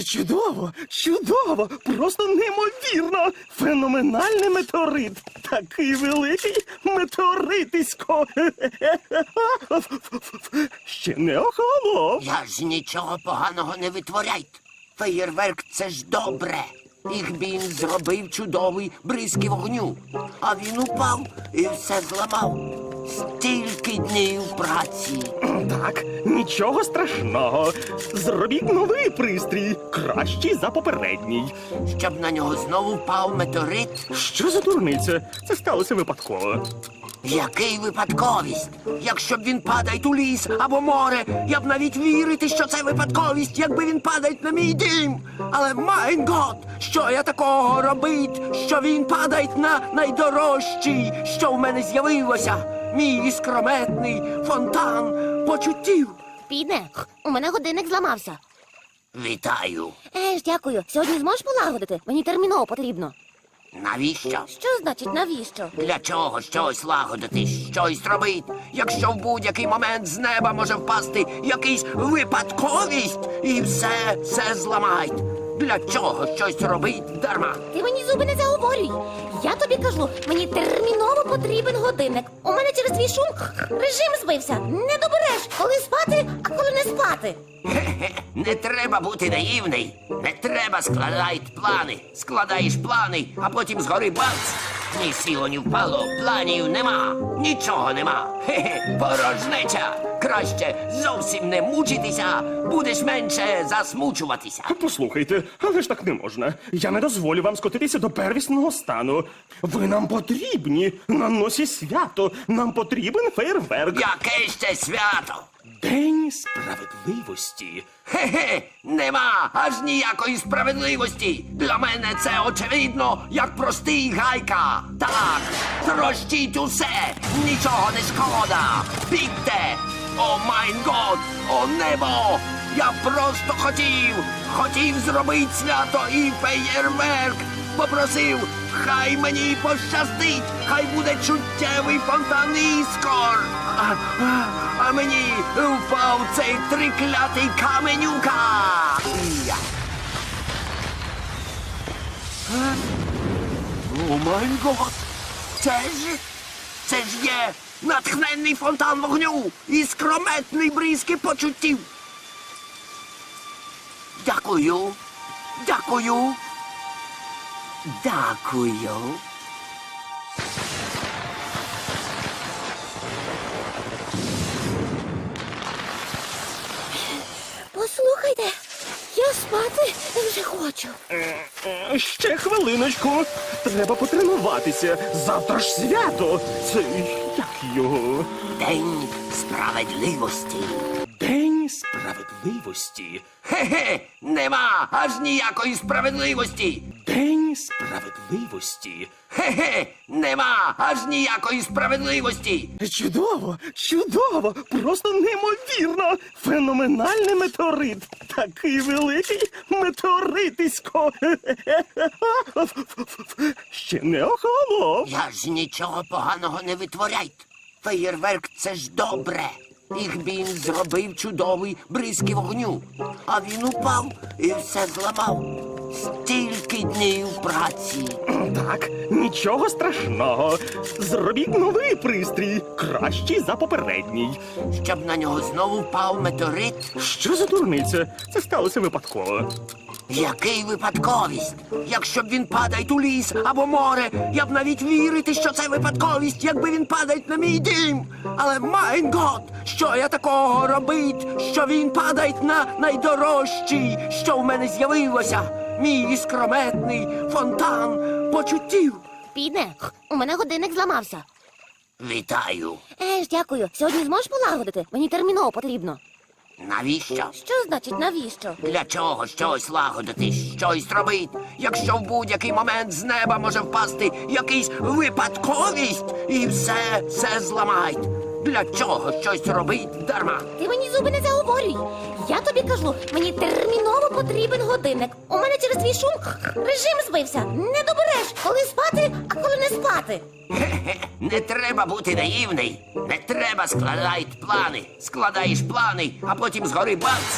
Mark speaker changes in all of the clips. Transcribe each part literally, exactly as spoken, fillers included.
Speaker 1: Чудово, чудово, просто неймовірно. Феноменальний метеорит. Такий великий метеоритисько. Ще не охолонув.
Speaker 2: Я ж нічого поганого не витворяйте. Феєрверк – це ж добре. Їх він зробив чудовий бризки вогню. А він упав і все зламав. Стільки днів праці.
Speaker 1: Так, нічого страшного. Зробіть новий пристрій, кращий за попередній.
Speaker 2: Щоб на нього знову впав метеорит.
Speaker 1: Що за дурниця? Це сталося випадково.
Speaker 2: Який випадковість? Якщо б він падає у ліс або море, я б навіть вірити, що це випадковість, якби він падає на мій дім. Але, майн гот, що я такого робить, що він падає на найдорожчий, що в мене з'явилося? Мій іскрометний фонтан почуттів.
Speaker 3: Піде, у мене годинник зламався.
Speaker 2: Вітаю.
Speaker 3: Е ж, дякую. Сьогодні зможеш полагодити? Мені терміново потрібно.
Speaker 2: Навіщо?
Speaker 3: Що значить навіщо?
Speaker 2: Для чого щось лагодити, щось робити, якщо в будь-який момент з неба може впасти якийсь випадковість і все, все зламають? Для чого щось робить дарма?
Speaker 3: Ти мені зуби не заговорюй. Я тобі кажу, мені терміново потрібен годинник. У мене через твій шум режим збився. Не добереш, коли спати, а коли не спати.
Speaker 2: Хе-хе, не треба бути наївний. Не треба складати плани. Складаєш плани, а потім згори бац. Ні сіло, ні впало, планів нема. Нічого нема. Хе-хе, порожнеча. Краще зовсім не мучитися, будеш менше засмучуватися.
Speaker 1: Послухайте, але ж так не можна. Я не дозволю вам скотитися до первісного стану. Ви нам потрібні. На носі свято. Нам потрібен фейерверк.
Speaker 2: Яке ще свято?
Speaker 1: День справедливості.
Speaker 2: Хе-хе, нема аж ніякої справедливості. Для мене це очевидно, як простий гайка. Так, трощіть усе, нічого не шкода. Бігте! О майн год, о небо! Я просто хотів, хотів зробити свято і феєрверк. Попросив, хай мені пощастить, хай буде чуттєвий фонтан іскор. А, а, а мені впав цей триклятий каменюка. Я. Е? О май гот! Це ж, це ж є натхненний фонтан вогню і скрометний бризки почуттів. Дякую, дякую, дякую.
Speaker 3: Послухайте, я спати вже хочу.
Speaker 1: Е, Ще хвилиночку. Треба потренуватися. Завтра ж свято. Це як його?
Speaker 2: День справедливості.
Speaker 1: День справедливості.
Speaker 2: Хе-хе, нема аж ніякої справедливості.
Speaker 1: День справедливості.
Speaker 2: Хе-хе, нема аж ніякої справедливості.
Speaker 1: Чудово, чудово, просто неймовірно. Феноменальний метеорит. Такий великий метеоритисько. Ще не охолонув.
Speaker 2: Я ж нічого поганого не витворяйте. Феєрверк – це ж добре. Їх він зробив чудовий бризки вогню. А він упав і все зламав. Стільки днів праці.
Speaker 1: Так, нічого страшного. Зробіть новий пристрій, кращий за попередній.
Speaker 2: Щоб на нього знову впав метеорит.
Speaker 1: Що за дурниця? Це сталося випадково.
Speaker 2: Який випадковість? Якщо б він падає у ліс або море, я б навіть вірити, що це випадковість, якби він падає на мій дім. Але, майн гот, що я такого робить, що він падає на найдорожчий, що в мене з'явилося? Мій іскрометний фонтан почуттів.
Speaker 3: Піде, у мене годинник зламався.
Speaker 2: Вітаю.
Speaker 3: Е ж, дякую. Сьогодні зможеш полагодити? Мені терміново потрібно.
Speaker 2: Навіщо?
Speaker 3: Що значить навіщо?
Speaker 2: Для чого щось лагодити, щось робити, якщо в будь-який момент з неба може впасти якийсь випадковість і все, все зламають? Для чого щось робить дарма?
Speaker 3: Ти мені зуби не заговорюй. Я тобі кажу, мені терміново потрібен годинник. У мене через твій шум режим збився. Не добереш, коли спати, а коли не спати.
Speaker 2: Хе-хе, не треба бути наївний. Не треба складати плани. Складаєш плани, а потім згори бац.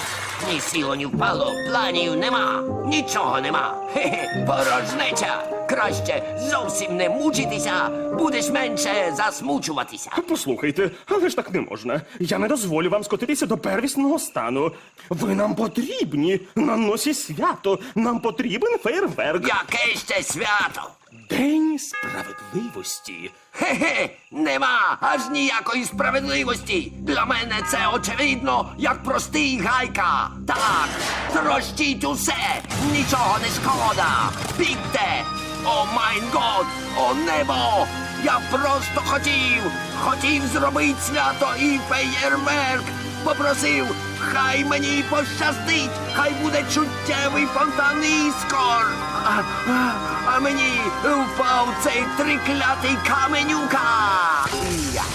Speaker 2: Ні сіло, ні впало, планів нема, нічого нема. Хе-хе, порожнеча. Краще зовсім не мучитися, будеш менше засмучуватися.
Speaker 1: Послухайте, але ж так не можна. Я не дозволю вам скотитися до первісного стану. Ви нам потрібні на носі свято. Нам потрібен фейерверк.
Speaker 2: Яке ще свято?
Speaker 1: День справедливості.
Speaker 2: Хе-хе, нема аж ніякої справедливості. Для мене це очевидно, як простий гайка. Так, трощіть усе, нічого не шкода. Бігте! О майн год, о небо! Я просто хотів, хотів зробити свято і феєрверк. Попросив, хай мені пощастить, хай буде чуттєвий фонтан іскор. А, а, а мені впав цей триклятий каменюка. Я.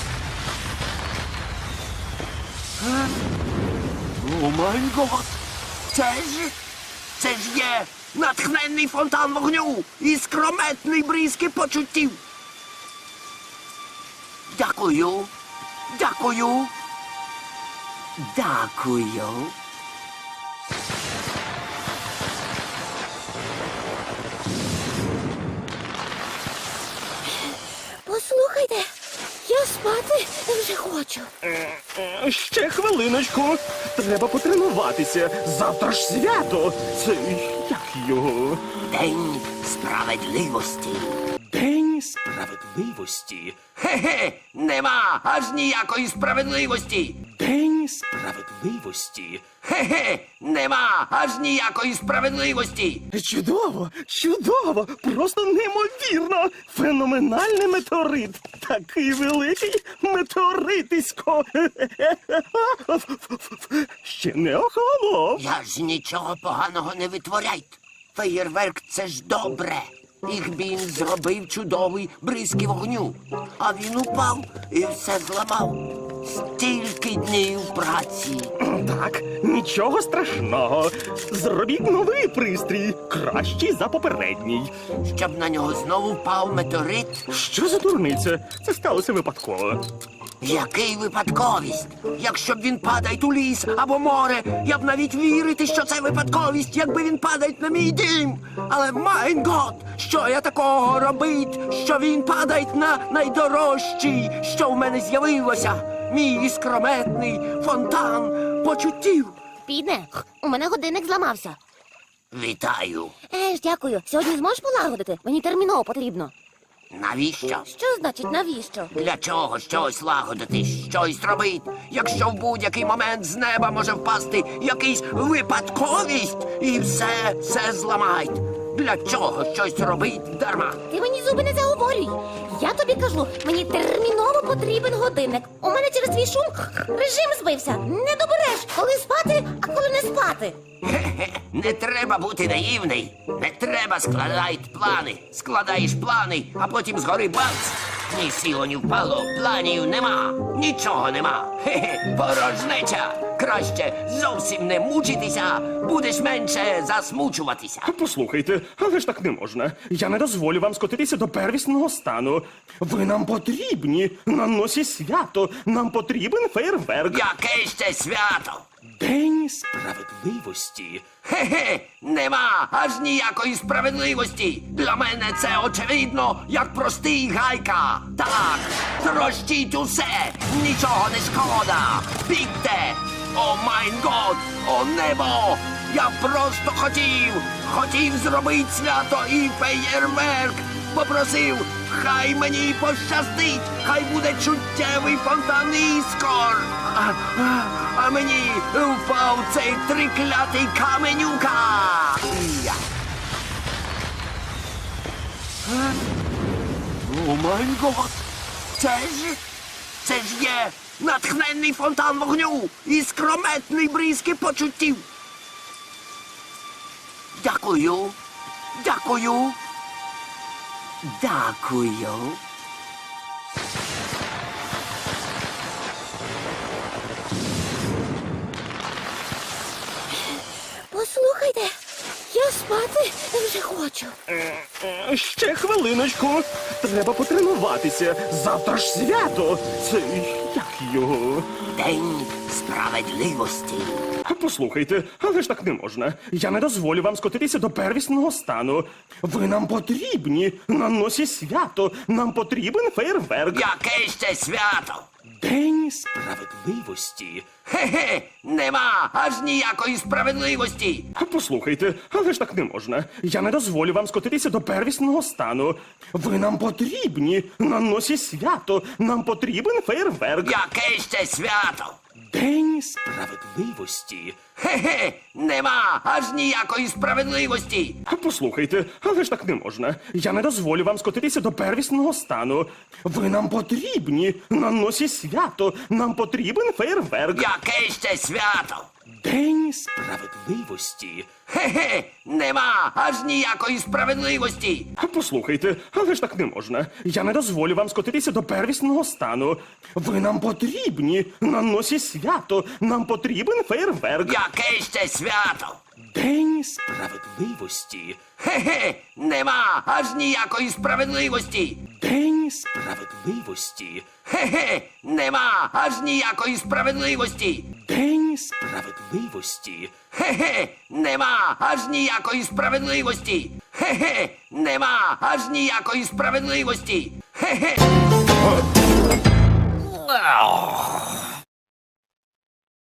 Speaker 2: Е? О май гот! Це ж, це ж є натхненний фонтан вогню і скрометний бризки почуттів. Дякую, дякую. Дякую.
Speaker 3: Послухайте, я спати вже хочу.
Speaker 1: Е, Ще хвилиночку. Треба потренуватися. Завтра ж свято. Це як його?
Speaker 2: День справедливості.
Speaker 1: День справедливості.
Speaker 2: Хе-хе, нема аж ніякої справедливості.
Speaker 1: День справедливості.
Speaker 2: Хе-хе, нема аж ніякої справедливості.
Speaker 1: Чудово, чудово, просто неймовірно. Феноменальний метеорит. Такий великий метеоритисько. Ще не охолонув.
Speaker 2: Я ж нічого поганого не витворяйте. Феєрверк — це ж добре. Їх він зробив чудовий бризки вогню. А він упав і все зламав. Стільки днів праці.
Speaker 1: Так, нічого страшного. Зробіть новий пристрій, кращий за попередній.
Speaker 2: Щоб на нього знову впав метеорит.
Speaker 1: Що за дурниця? Це сталося випадково.
Speaker 2: Який випадковість? Якщо б він падає у ліс або море, я б навіть вірити, що це випадковість, якби він падає на мій дім. Але майн гот, що я такого робить, що він падає на найдорожчий, що в мене з'явилося? Мій іскрометний фонтан почуттів.
Speaker 3: Підне, у мене годинник зламався.
Speaker 2: Вітаю.
Speaker 3: Е ж, дякую. Сьогодні зможеш полагодити? Мені терміново потрібно.
Speaker 2: Навіщо?
Speaker 3: Що значить навіщо?
Speaker 2: Для чого щось лагодити, щось робить, якщо в будь-який момент з неба може впасти якийсь випадковість і все, все зламають? Для чого щось робить дарма?
Speaker 3: Ти мені зуби не заговорюй. Я тобі кажу, мені терміново потрібен годинник. У мене через твій шум режим збився. Не добереш, коли спати, а коли не спати.
Speaker 2: Хе-хе, не треба бути наївний. Не треба складати плани. Складаєш плани, а потім згори бац. Ні сіло, ні впало, планів нема, нічого нема. Хе-хе, порожнеча. Краще зовсім не мучитися, будеш менше засмучуватися.
Speaker 1: Послухайте, але ж так не можна. Я не дозволю вам скотитися до первісного стану. Ви нам потрібні на носі свято. Нам потрібен фейерверк.
Speaker 2: Яке ще свято?
Speaker 1: День справедливості.
Speaker 2: Хе-хе, нема аж ніякої справедливості. Для мене це очевидно, як простий гайка. Так, трощіть усе, нічого не шкода. Бігте! О майн год, о небо! Я просто хотів, хотів зробити свято і феєрверк. Попросив, хай мені пощастить, хай буде чуттєвий фонтан іскор. А, а, а мені впав цей триклятий каменюка. Я. Е? О май гот! Це ж, це ж є натхненний фонтан вогню і скрометний бризки почуттів. Дякую, дякую, дякую.
Speaker 3: Послухайте, я спати вже хочу.
Speaker 1: Е, Ще хвилиночку. Треба потренуватися. Завтра ж свято. Це як його?
Speaker 2: День справедливості.
Speaker 1: Послухайте, але ж так не можна. Я не дозволю вам скотитися до первісного стану. Ви нам потрібні на носі свято. Нам потрібен фейерверк.
Speaker 2: Яке ще свято?
Speaker 1: День справедливості.
Speaker 2: Хе-хе, нема аж ніякої справедливості.
Speaker 1: Послухайте, але ж так не можна. Я не дозволю вам скотитися до первісного стану. Ви нам потрібні на носі свято. Нам потрібен фейерверк.
Speaker 2: Яке ще свято?
Speaker 1: День справедливості.
Speaker 2: Хе-хе, нема аж ніякої справедливості.
Speaker 1: Послухайте, але ж так не можна. Я не дозволю вам скотитися до первісного стану. Ви нам потрібні на носі свято. Нам потрібен фейерверк.
Speaker 2: Яке ще свято?
Speaker 1: День справедливості.
Speaker 2: Хе-хе, нема аж ніякої справедливості.
Speaker 1: Послухайте, але ж так не можна. Я не дозволю вам скотитися до первісного стану. Ви нам потрібні на носі свято. Нам потрібен фейерверк.
Speaker 2: Яке ще свято?
Speaker 1: День справедливості.
Speaker 2: Хе-хе, нема аж ніякої справедливості.
Speaker 1: День справедливості.
Speaker 2: Хе-хе, нема аж ніякої справедливості.
Speaker 1: День справедливості.
Speaker 2: Хе-хе, нема аж ніякої справедливості. Хе-хе, нема аж ніякої справедливості. Хе-хе.